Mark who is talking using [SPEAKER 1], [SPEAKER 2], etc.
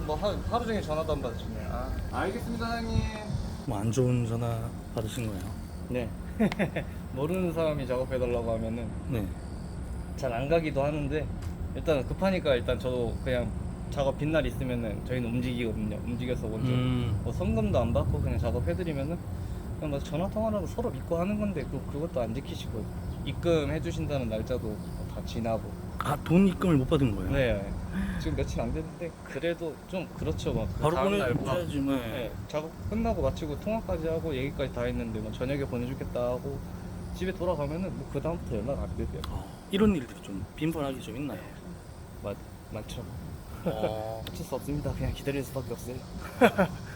[SPEAKER 1] 뭐 하루 종일 전화도 안 받으시네. 아, 알겠습니다, 사장님.
[SPEAKER 2] 뭐 안 좋은 전화 받으신 거예요?
[SPEAKER 1] 네. 모르는 사람이 작업해달라고 하면은
[SPEAKER 2] 네.
[SPEAKER 1] 잘 안 가기도 하는데 일단 급하니까 일단 저도 그냥 작업 빈날 있으면은 저희는 움직이거든요. 움직여서 먼저 뭐 성금도 안 받고 그냥 작업해드리면은 그냥 뭐 전화 통화라도 서로 믿고 하는 건데 그것도 안 지키시고 입금해 주신다는 날짜도 다 지나고.
[SPEAKER 2] 아, 돈 입금을 못 받은 거예요?
[SPEAKER 1] 네. 지금 며칠 안 됐는데 그래도 좀 그렇죠. 막그
[SPEAKER 2] 바로
[SPEAKER 1] 다음 날
[SPEAKER 2] 보내줘야지 뭐.
[SPEAKER 1] 네, 작업 끝나고 마치고 통화까지 하고 얘기까지 다 했는데 뭐 저녁에 보내주겠다 하고 집에 돌아가면은 뭐 그 다음부터 연락 안 되세요.
[SPEAKER 2] 이런 일들이 좀 빈번하게 좀 있나요?
[SPEAKER 1] 많죠.
[SPEAKER 2] 어.
[SPEAKER 1] 어쩔 수 없습니다. 그냥 기다릴 수밖에 없어요.